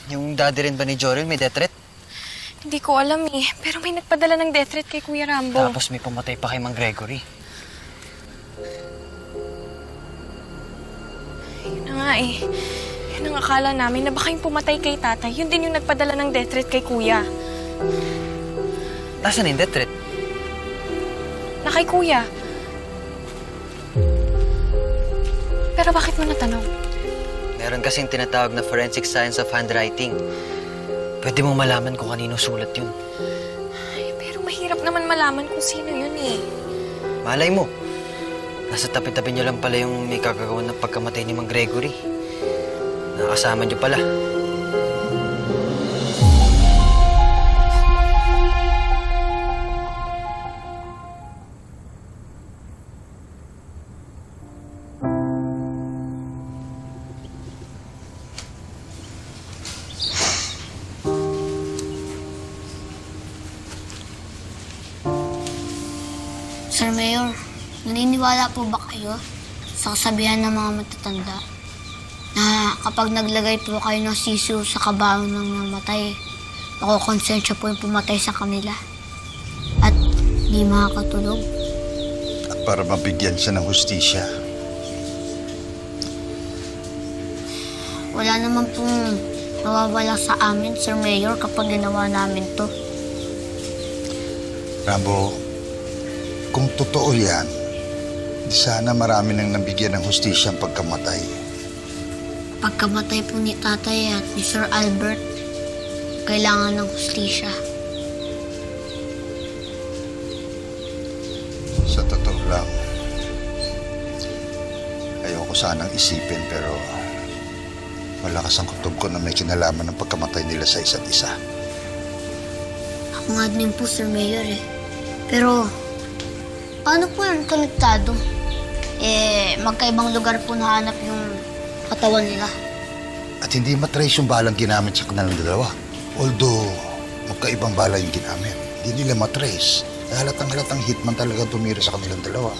Yung daddy rin ba ni Jorel may death threat? Hindi ko alam eh, pero may nagpadala ng death threat kay Kuya Rambo. Tapos may pumatay pa kay Mang Gregory. Yun na nga eh. Yun ang akala namin na baka yung pumatay kay tatay, yun din yung nagpadala ng death threat kay Kuya. Nasaan yung death threat? Na kay Kuya. Pero bakit mo natanong? Meron kasing tinatawag na forensic science of handwriting. Pwede mo malaman kung kanino sulat yun. Ay, pero mahirap naman malaman kung sino yun eh. Malay mo. Nasa tabi-tabi niyo lang pala yung may kagagawa ng pagkamatay ni Mang Gregory. Nakasama niyo pala. Sir Mayor, naniniwala po ba kayo sa kasabihan ng mga matatanda na kapag naglagay po kayo ng sisiw sa kabaong ng namatay, makukonsensya po yung pumatay sa kanila at di makakatulog? At para mabigyan siya ng hustisya. Wala naman pong nawawala sa amin, Sir Mayor, kapag ginawa namin to. Rambo, kung totoo yan, di sana marami nang nabigyan ng hustisya ang pagkamatay. Pagkamatay po ni Tatay at ni Sir Albert, kailangan ng hustisya. Sa totoo lang, ayoko sanang isipin pero malakas ang kutob ko na may kinalaman ng pagkamatay nila sa isa't isa. Ako nga din po, Sir Mayor eh. Pero, paano po yan konektado? Magkaibang lugar po nahanap yung katawan nila. At hindi matrace yung balang ginamit sa kanilang dalawa. Although, magkaibang bala yung ginamit. Hindi nila matrace. Halatang hitman talaga tumira sa kanilang dalawa.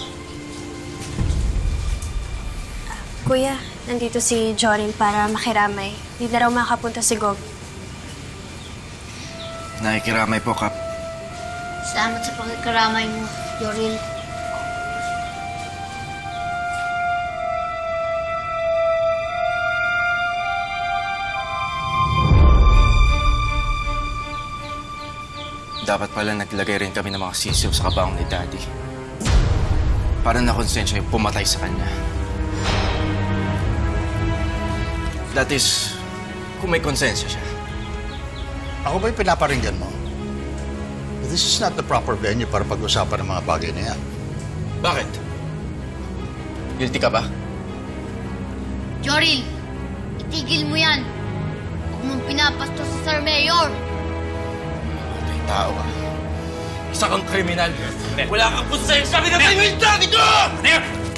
Kuya, nandito si Joril para makiramay. Hindi na raw makapunta si Gob. Nakikiramay po, Kap. Salamat sa pagkakaramay mo, Yoril. Dapat pala naglagay rin kami ng mga sisiw sa kabaong ni Daddy. Para nakonsensya yung pumatay sa kanya. That is, kung may konsensya siya. Ako ba yung pinaparinggan mo? This is not the proper venue para pag-usapan ng mga bagay na yan. Bakit? Guilty ka ba? Yoril, itigil mo yan. Huwag mong pinapastos sa Sir Mayor. Patay tao ka. Isa kang kriminal. Wala kang konsensya. Pinatay mo yung daddy ko!